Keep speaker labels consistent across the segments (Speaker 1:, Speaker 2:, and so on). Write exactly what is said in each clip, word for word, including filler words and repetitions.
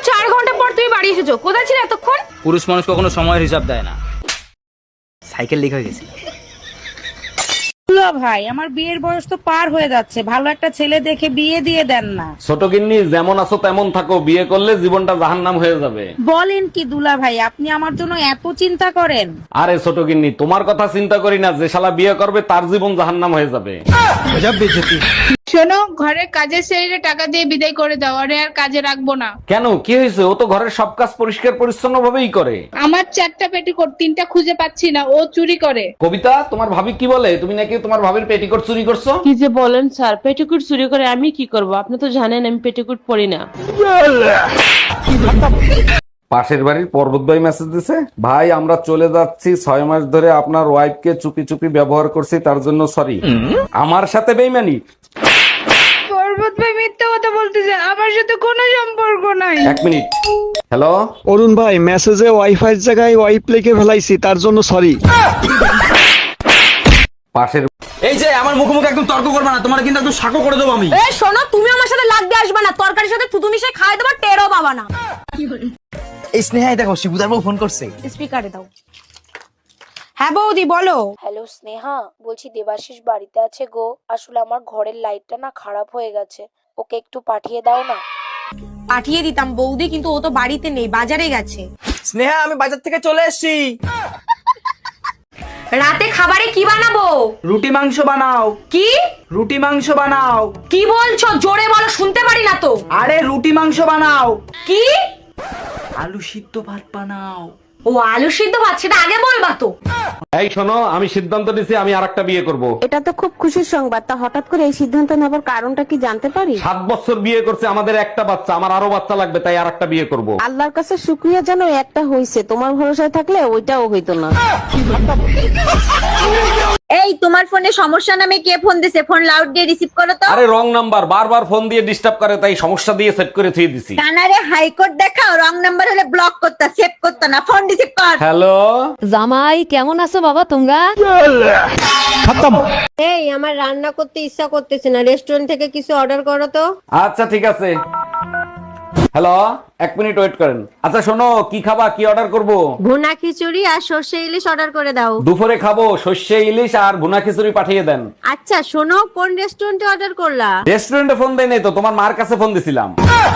Speaker 1: চার ঘন্টা পর তুমি বাড়ি এসেছো, কোথায় ছিলে এতক্ষণ?
Speaker 2: পুরুষ মানুষ কখনো সময়ের হিসাব দেয় না। সাইকেল লিক হয়ে গেছে।
Speaker 3: ভাই আমার বিয়ের বয়স তো পার হয়ে যাচ্ছে, ভালো একটা ছেলে দেখে বিয়ে দিয়ে দেন না।
Speaker 4: ছোট গিন্নি, যেমন আছো তেমন থাকো, বিয়ে করলে জীবনটা জাহান্নাম হয়ে যাবে।
Speaker 3: বলেন কি দুলা ভাই, আপনি আমার জন্য এত চিন্তা করেন?
Speaker 4: আরে ছোট গিন্নি, তোমার কথা চিন্তা করি না, যে শালা বিয়ে করবে তার জীবন জাহান্নাম হয়ে যাবে।
Speaker 5: শোনো, ঘরের কাজের ছেলেরে টাকা দিয়ে বিদায় করে দাও, আরে আর কাজে রাখবো না।
Speaker 4: কেন, কি হয়েছে? ও তো ঘরের সব কাজ পরিষ্কার পরিচ্ছন্ন ভাবেই করে।
Speaker 5: আমার চারটা পেটিকোট, তিনটা খুঁজে পাচ্ছি না, ও চুরি করে।
Speaker 4: কবিতা, তোমার ভাবি কি বলে? তুমি নাকি তোমার ভাবির পেটিকোট চুরি করছো?
Speaker 6: কি যে বলেন স্যার, পেটিকুট চুরি করে আমি কি করব? আপনি তো জানেন আমি পেটিকুট পরি না।
Speaker 4: পাশের বাড়ির পর্বত ভাই মেসেজ দিছে, ভাই আমরা চলে যাচ্ছি, ছয় মাস ধরে আপনার ওয়াইফকে চুপি চুপি ব্যবহার করছি, তার জন্য সরি। আমার সাথে বেইমানি?
Speaker 5: পর্বত ভাই মিথ্যা কথা বলতেছে, আমার সাথে কোনো সম্পর্ক নাই।
Speaker 4: এক মিনিট। হ্যালো
Speaker 7: অরুণ ভাই, মেসেজে ওয়াইফাই এর জায়গায় ওয়াইপ লিখে ফেলাইছি, তার জন্য সরি।
Speaker 4: পাশের
Speaker 2: এই যে আমার মুখোমুখি একদম তর্ক করবে না, তোমার কিন্তু একদম সাকো করে দেবো আমি।
Speaker 1: এই শোনো, তুমি আমার সাথে লাগতে আসবে না, তরকারির সাথে থুতু মিশিয়ে খাই দেবো, টেরও পাবা না।
Speaker 2: এই স্নেহাই দেখো, শিবুদার বউ ফোন করছে।
Speaker 1: স্পিকারে দাও। হ্যাঁ বৌদি বলো।
Speaker 8: হ্যালো স্নেহা, বলছি দেবাশিস বাড়িতে আছে গো, আসলে আমার ঘরের লাইটটা না খারাপ হয়ে গেছে, ওকে একটু পাঠিয়ে দাও না।
Speaker 1: পাঠিয়ে দিতাম বৌদি, কিন্তু ও তো বাড়িতে নেই, বাজারে গেছে।
Speaker 2: স্নেহা, আমি বাজার থেকে চলে এসেছি।
Speaker 1: রাতে খাবারে কি বানাবো?
Speaker 2: রুটি মাংস বানাও।
Speaker 1: কি
Speaker 2: রুটি মাংস বানাও।
Speaker 1: কি বলছো? জোরে বলো, শুনতে পারি না তো।
Speaker 2: আরে রুটি মাংস বানাও।
Speaker 1: কি?
Speaker 2: আলু সিদ্ধ ভাত বানাও।
Speaker 1: ও আলু সিদ্ধ ভাত, সেটা আগে বলবা তো।
Speaker 4: এই শোনো, আমি সিদ্ধান্ত নিছি আমি আরেকটা বিয়ে করব।
Speaker 6: এটা তো খুব খুশির সংবাদ, তা হঠাৎ করে এই সিদ্ধান্ত নেবার কারণটা কি জানতে পারি?
Speaker 4: সাত বছর বিয়ে করছে, আমাদের একটা বাচ্চা, আমার আরো বাচ্চা লাগবে, তাই আরেকটা বিয়ে করব।
Speaker 6: আল্লাহর কাছে শুকরিয়া জানো, একটা হইছে, তোমার ভরসায় থাকলে ওইটাও হইতো না।
Speaker 9: এই তোমার ফোনে সমস্যা নামে কে ফোন দিছে? ফোন লাউড দিয়ে রিসিভ করো তো।
Speaker 4: আরে রং নাম্বার, বারবার ফোন দিয়ে ডিস্টার্ব করে, তাই সমস্যা দিয়ে সেট করে থুয়ে দিছি।
Speaker 9: কানারে হাইকোর্ট দেখাও, রং নাম্বার হলে ব্লক করতা, সেভ করতা না, ফোন রিসিভ কর।
Speaker 4: হ্যালো
Speaker 10: জামাই কেমন আছো বাবা তোমরা?
Speaker 9: এই আমার রান্না করতে ইচ্ছা করতেছে না, রেস্টুরেন্ট থেকে কিছু অর্ডার করো তো।
Speaker 4: আচ্ছা ঠিক আছে। হ্যালো, এক মিনিট ওয়েট করেন। আচ্ছা শোনো, কি খাবা, কি অর্ডার করব?
Speaker 9: ভুনা খিচুড়ি আর সর্ষে ইলিশ অর্ডার করে দাও।
Speaker 4: দুপুরে খাবো সর্ষে ইলিশ আর ভুনা খিচুড়ি পাঠিয়ে দেন।
Speaker 9: আচ্ছা শোনো, কোন রেস্টুরেন্টে অর্ডার করলা?
Speaker 4: রেস্টুরেন্টে ফোন দেয় নাই তো, তোমার মার কাছে ফোন দিছিলাম।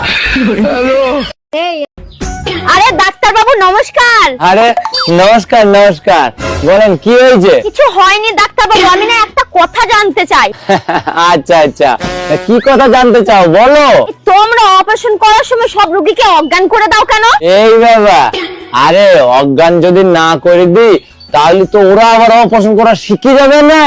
Speaker 9: এই আরে ডাক্তার বাবু নমস্কার।
Speaker 11: আরে নমস্কার নমস্কার, বলেন কি হয়েছে?
Speaker 9: কিছু হয়নি ডাক্তার বাবু, আমি না একটা কথা জানতে চাই।
Speaker 11: আচ্ছা আচ্ছা, তা কি কথা জানতে চাও বলো।
Speaker 9: তোমরা অপারেশন করার সময় সব রোগীকে অজ্ঞান করে দাও কেন?
Speaker 11: এই বাবা, আরে অজ্ঞান যদি না করে দিই তাহলে তো ওরা আবার অপারেশন করা শিখে যাবে না।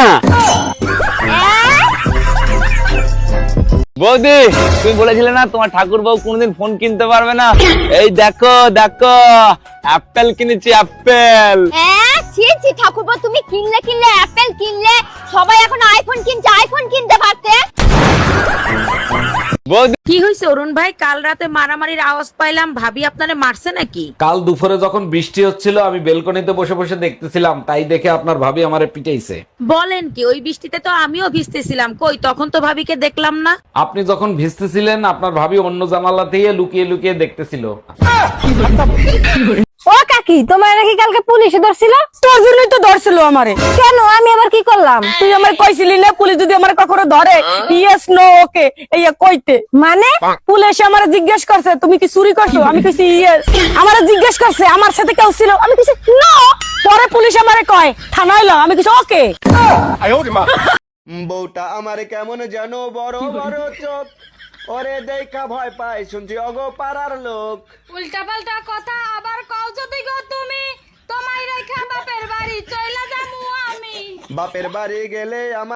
Speaker 11: বৌদি, তুমি বলেছিলে না তোমার ঠাকুর বউ কোনদিন ফোন কিনতে পারবে না? এই দেখো দেখো, অ্যাপেল কিনেছি, অ্যাপেল।
Speaker 9: হ্যাঁ ছি ছি ঠাকুরপো, তুমি কিনলে কিনলে অ্যাপেল কিনলে, সবাই এখন আইফোন কিনছে, আইফোন কিনতে পারতে।
Speaker 11: বৌদি,
Speaker 3: কি হয়েছে অরুণ ভাই? কাল রাতে মারামারির আওয়াজ পাইলাম, ভাবি আপনারে মারছে নাকি?
Speaker 4: কাল দুপুরে যখন বৃষ্টি হচ্ছিল, আমি বেলকনিতে বসে বসে দেখতেছিলাম, তাই দেখে আপনার ভাবি আমারে পিটাইছে।
Speaker 3: বলেন কি? ওই বৃষ্টিতে তো আমিও ভিজতেছিলাম, কই তখন তো ভাবিকে দেখলাম না।
Speaker 4: আপনি যখন ভিজতেছিলেন, আপনার ভাবি অন্য জানালা থেকে লুকিয়ে লুকিয়ে দেখতেছিল।
Speaker 9: ও কাকি, তোমার নাকি কালকে পুলিশে ধরছিল? তোর জন্যই তো ধরছিল আমারে। কেন, আমি আবার কি করলাম?
Speaker 3: তুই আমার কইছিলি না পুলিশ যদি আমার কখনো ধরে ইয়েস নো ওকে এইয়া কইতে।
Speaker 9: মানে
Speaker 3: পুলিশ আমারে জিজ্ঞেস করছে তুমি কি চুরি করছো, আমি কইছি ইয়েস। আমারে জিজ্ঞেস করছে আমার সাথে কেউ ছিল, আমি কইছি নো। পরে পুলিশ আমারে কয় থানায় এলাম, আমি কইছি ওকে।
Speaker 7: বউটা আমারে কেমন জানো, বড় বড় চোখ, ওরে দেখা ভয় পায়, শুনছি অগো পাড়ার লোক।
Speaker 5: উল্টা পাল্টা কথা আবার কও যদি গো তুমি, তোমায় রেখা বাপের বাড়ি চইলা যামু আমি।
Speaker 7: বাপের বাড়ি গেলে আমার